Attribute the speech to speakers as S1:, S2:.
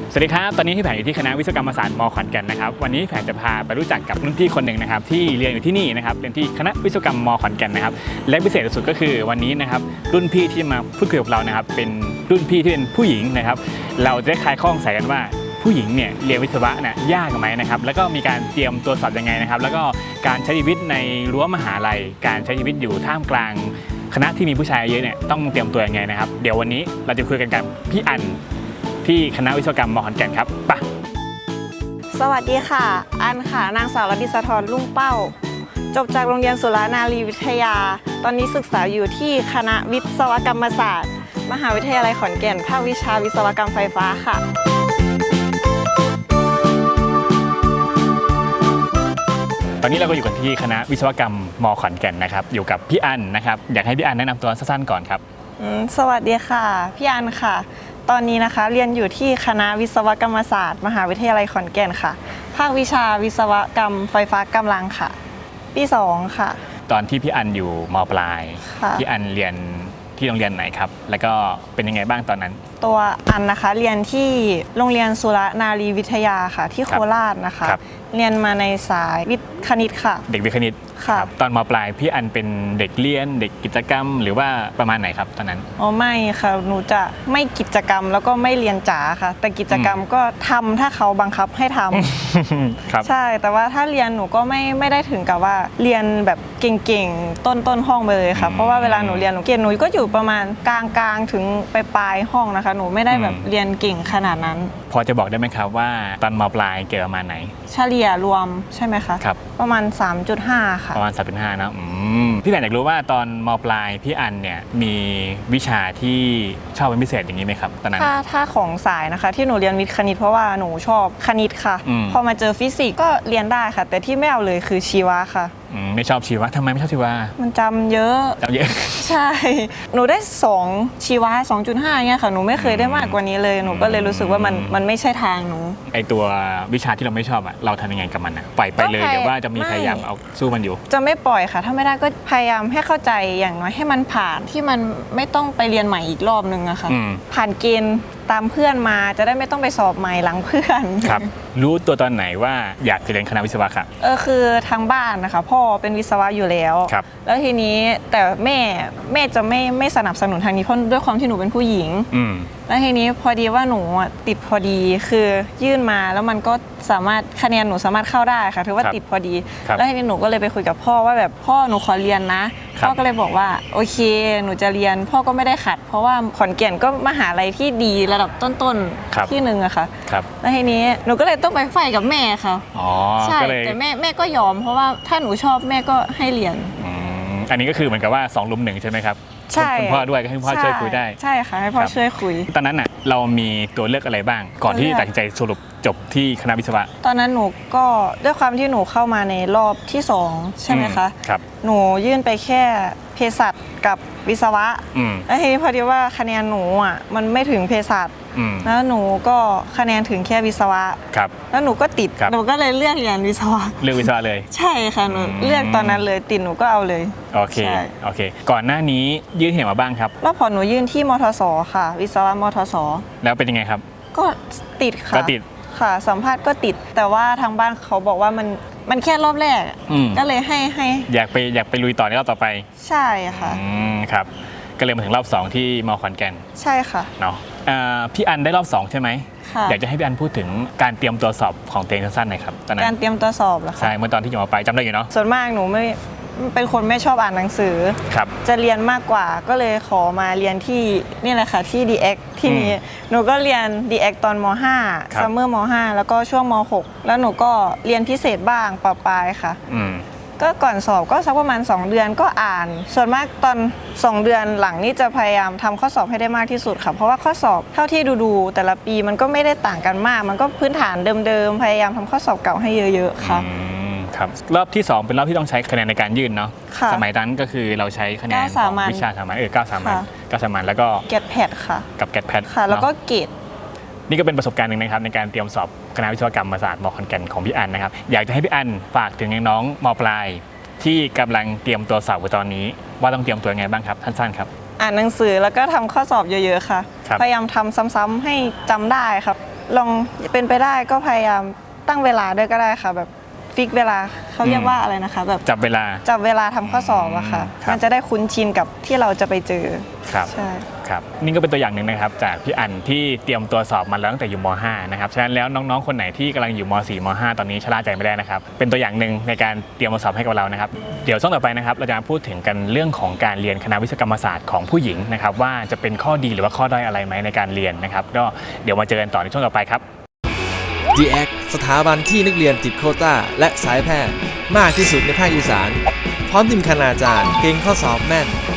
S1: สวัสดีครับตอนนี้พี่แผนอยู่ที่คณะวิศวกรรมศาสตร์ม.ขอนแก่นนะครับวันนี้พี่แผนจะพาไปรู้จักกับรุ่นพี่คนหนึ่งนะครับที่เรียนอยู่ที่นี่นะครับเรียนที่คณะวิศวกรรมม.ขอนแก่นนะครับและพิเศษสุดก็คือวันนี้นะครับรุ่นพี่ที่มาพูดคุยกับเรานะครับเป็นรุ่นพี่ที่เป็นผู้หญิงนะครับเราจะได้คลายข้อสงสัยกันว่าผู้หญิงเนี่ยเรียนวิศวะเนี่ยยากไหมนะครับแล้วก็มีการเตรียมตัวสอบยังไงนะครับแล้วก็การใช้ชีวิตในรั้วมหาลัยการใช้ชีวิตอยู่ท่ามกลางคณะที่มีผู้ชายเยอะเนี่ยต้องเตรียมตัวยังไงนะครับเดี๋ยววันนี้เราจะคุยกันกับพี่อันที่คณะวิศวกรรมม.ขอนแก่นครับไป
S2: สวัสดีค่ะอันค่ะนางสาวรัตติสธรลุ่งเป้าจบจากโรงเรียนสุรานารีวิทยาตอนนี้ศึกษาอยู่ที่คณะวิศวกรรมศาสตร์มหาวิทยาลัยขอนแก่นภาควิชาวิศวกรรมไฟฟ้าค่ะ
S1: ตอนนี้เราก็อยู่กันที่คณะวิศวกรรมม.ขอนแก่นนะครับอยู่กับพี่อันนะครับอยากให้พี่อันแนะนำตัวสั้นๆก่อนครับ
S2: สวัสดีค่ะพี่อันค่ะตอนนี้นะคะเรียนอยู่ที่คณะวิศวกรรมศาสตร์มหาวิทยาลัยขอนแก่นค่ะภาควิชาวิศวกรรมไฟฟ้ากำลังค่ะปี2ค่ะ
S1: ตอนที่พี่อันอยู่ม.ปลายพี่อันเรียนที่โรงเรียนไหนครับแล้วก็เป็นยังไงบ้างตอนนั้น
S2: ตัวอันนะคะเรียนที่โรงเรียนสุรนารีวิทยาค่ะที่โคราชนะคะเรียนมาในสายวิทย์คณิตค่ะ
S1: เด็กวิทย์คณิตครับตอนม.ปลายพี่อันเป็นเด็กเรียนเด็กกิจกรรมหรือว่าประมาณไหนครับตอนนั้น
S2: อ๋อไม่ค่ะหนูจะไม่กิจกรรมแล้วก็ไม่เรียนจ๋าค่ะแต่กิจกรรมก็ทำถ้าเขาบังคับให้ทำใช่แต่ว่าถ้าเรียนหนูก็ไม่ได้ถึงกับว่าเรียนแบบเก่งๆต้นห้องไปเลยค่ะเพราะว่าเวลาหนูเรียนหนูเก่งหนูก็อยู่ประมาณกลางถึงปลายห้องนะคะหนูไม่ได้แบบเรียนเก่งขนาดนั้น
S1: พอจะบอกได้ไหมครับว่าตอนม.ปลายเกรดประมาณไหน
S2: เฉลี่ยรวมใช่ไหมคะ
S1: ครับ
S2: ประมาณ 3.5 ค่ะ
S1: ประมาณ 3.5 นะพี่แผนอยากรู้ว่าตอนม.ปลายพี่อันเนี่ยมีวิชาที่ชอบเป็นพิเศษอย่างนี้ไหมครับตอนนั้น
S2: ถ้าของสายนะคะที่หนูเรียนวิทย์คณิตเพราะว่าหนูชอบคณิตค่ะพอมาเจอฟิสิกส์ก็เรียนได้ค่ะแต่ที่ไม่เอาเลยคือชีวะค่ะ
S1: ไม่ชอบชีวะทำไมไม่ชอบชีวะ
S2: มันจำเยอะใช่หนูได้2ชีวะ 2.5 เนี่ยค่ะหนูไม่เคยได้มากกว่านี้เลยหนูก็เลยรู้สึกว่ามันไม่ใช่ทางหนู
S1: ไอตัววิชาที่เราไม่ชอบอะเราทำยังไงกับมันอะปล่อยไปเลยหรือว่าจะมีพยายามเอาสู้มันอยู่
S2: จะไม่ปล่อยค่ะถ้าไม่ได้ก็พยายามให้เข้าใจอย่างน้อยให้มันผ่านที่มันไม่ต้องไปเรียนใหม่อีกรอบนึงอะค่ะผ่านเกณฑ์ตามเพื่อนมาจะได้ไม่ต้องไปสอบใหม่หลังเพื่อน
S1: ครับรู้ตัวตอนไหนว่าอยากจะเรียนคณะวิศวะครับ
S2: คือทางบ้านนะคะพ่อเป็นวิศวะอยู่แล้วแล้วทีนี้แต่แม่จะไม่สนับสนุนทางนี้เพราะด้วยความที่หนูเป็นผู้หญิงแล้วทีนี้พอดีว่าหนูติดพอดีคือยื่นมาแล้วมันก็สามารถคะแนนหนูสามารถเข้าได้ค่ะถือว่าติดพอดีแล้วทีนี้หนูก็เลยไปคุยกับพ่อว่าแบบพ่อหนูขอเรียนนะพ่อก็เลยบอกว่าโอเคหนูจะเรียนพ่อก็ไม่ได้ขัดเพราะว่าขอนแก่นก็มหาลัยที่ดีระดับต้นๆที่หนึ่งอะค่ะแล้วทีนี้หนูก็เลยต้องไปไฟกับแม่ค่ะใช่แต่แม่ก็ยอมเพราะว่าถ้าหนูชอบแม่ก็ให้เรียน
S1: อันนี้ก็คือเหมือนกับว่า2 ลุม 1ใช่ไหมครับ
S2: ใช่
S1: คุณพ่อด้วยก็ให้พ่อช่วยคุยได้
S2: ใช่ค่ะให้พ่อช่วยคุย
S1: ตอนนั้นน่ะเรามีตัวเลือกอะไรบ้างก่อนที่ตัดสินใจสรุปจบที่คณะวิศวะ
S2: ตอนนั้นหนูก็ด้วยความที่หนูเข้ามาในรอบที่2ใช่ไหมคะหนูยื่นไปแค่เภสัชกับวิศวะแล้วทีนี้พอดีว่าคะแนนหนูอ่ะมันไม่ถึงเภสัชแล้วหนูก็คะแนนถึงแค่วิศวะแล้วหนูก็ติดหนูก็เลยเลือกเรียนวิศวะ
S1: เลือกวิศวะเลย
S2: ใช่ค่ะหนูเลือกตอนนั้นเลยติดหนูก็เอาเลย
S1: โอเคก่อนหน้านี้ยื่นเหตุมาบ้างครับ
S2: รอบพอหนูยื่นที่มทสค่ะวิศวะมทส
S1: แล้วเป็นยังไงครับ
S2: ก็ติดค่ะ
S1: ก็ติด
S2: ค่ะสัมภาษณ์ก็ติดแต่ว่าทางบ้านเขาบอกว่ามันแค่รอบแรกก็เลยให้
S1: อยากไปลุยต่อในรอบต่อไป
S2: ใช่ค่ะ
S1: ครับก็เลยมาถึงรอบ2ที่ม.ขอนแก่น
S2: ใช่ค่ะ
S1: เนาะพี่อันได้รอบ2ใช่ไหมอยากจะให้พี่อันพูดถึงการเตรียมตัวสอบของตัวเองสั้นๆหน่อยครับตอนนั้น
S2: การเตรียมตัวสอบเหรอคะ
S1: ใช่เมื่อตอนที่อยู่ม.ปลายจำได้อยู่เนาะ
S2: ส่วนมากหนูไม่เป็นคนไม่ชอบอ่านหนังสือจะเรียนมากกว่าก็เลยขอมาเรียนที่นี่แหละค่ะที่ DX ที่นี้หนูก็เรียน DX ตอนม.5 ซัมเมอร์ม.5 แล้วก็ช่วงม.6 แล้วหนูก็เรียนพิเศษบ้างปลายๆค่ะก็ก่อนสอบก็สักประมาณ2 เดือนก็อ่านส่วนมากตอน2 เดือนหลังนี่จะพยายามทำข้อสอบให้ได้มากที่สุดค่ะเพราะว่าข้อสอบเท่าที่ดูแต่ละปีมันก็ไม่ได้ต่างกันมากมันก็พื้นฐานเดิมๆพยายามทำข้อสอบเก่าให้เยอะๆค่ะ
S1: ครับรอบที่2เป็นรอบที่ต้องใช้คะแนนในการยื่นเนาะสมัยนั้นก็คือเราใช้คะแนนของวิชาสามัญ9 สามัญแล้วก็
S2: เกรดแพดค่ะ
S1: กับเกรดแพด
S2: ค่ะแล้วก็เกรด
S1: นี่ก็เป็นประสบการณ์หนึ่งนะครับในการเตรียมสอบคณะวิศวกรรมศาสตร์ม.ขอนแก่นของพี่อันนะครับอยากจะให้พี่อันฝากถึงน้องม.ปลายที่กำลังเตรียมตัวสอบตอนนี้ว่าต้องเตรียมตัวยังไงบ้างครับสั้นๆครับ
S2: อ่านหนังสือแล้วก็ทำข้อสอบเยอะๆค่ะพยายามทำซ้ำๆให้จำได้ครับลองเป็นไปได้ก็พยายามตั้งเวลาด้วยก็ได้ค่ะแบบฟิกเวลาเขาเรียกว่าอะไรนะคะแบบ
S1: จับเวลา
S2: ทำข้อสอบอะค่ะ
S1: ครับ
S2: มันจะได้คุ้นชินกับที่เราจะไปเจอ
S1: ครับ
S2: ใช่
S1: ครับนี่ก็เป็นตัวอย่างหนึ่งนะครับจากพี่อั๋นที่เตรียมตัวสอบมาแล้วตั้งแต่อยู่ม .5 นะครับฉะนั้นแล้วน้องๆคนไหนที่กำลังอยู่ม .4 ม .5 ตอนนี้ชะล่าใจไม่ได้นะครับเป็นตัวอย่างหนึ่งในการเตรียมมาสอบให้กับเรานะครับเดี๋ยวช่วงต่อไปนะครับเราจะมาพูดถึงกันเรื่องของการเรียนคณะวิศวกรรมศาสตร์ของผู้หญิงนะครับว่าจะเป็นข้อดีหรือว่าข้อด้อยอะไรไหมในการเรียนนะครับก็เดี๋ยวมาเจอกันต่อในช่วงต่อไปครับ
S3: DX สถาบันที่นักเรียนติดโควต้าและสายแพทย์มากที่สุดในภาคอีสานพร้อมทีมคณาจารย์เก่งข้อสอบแม่น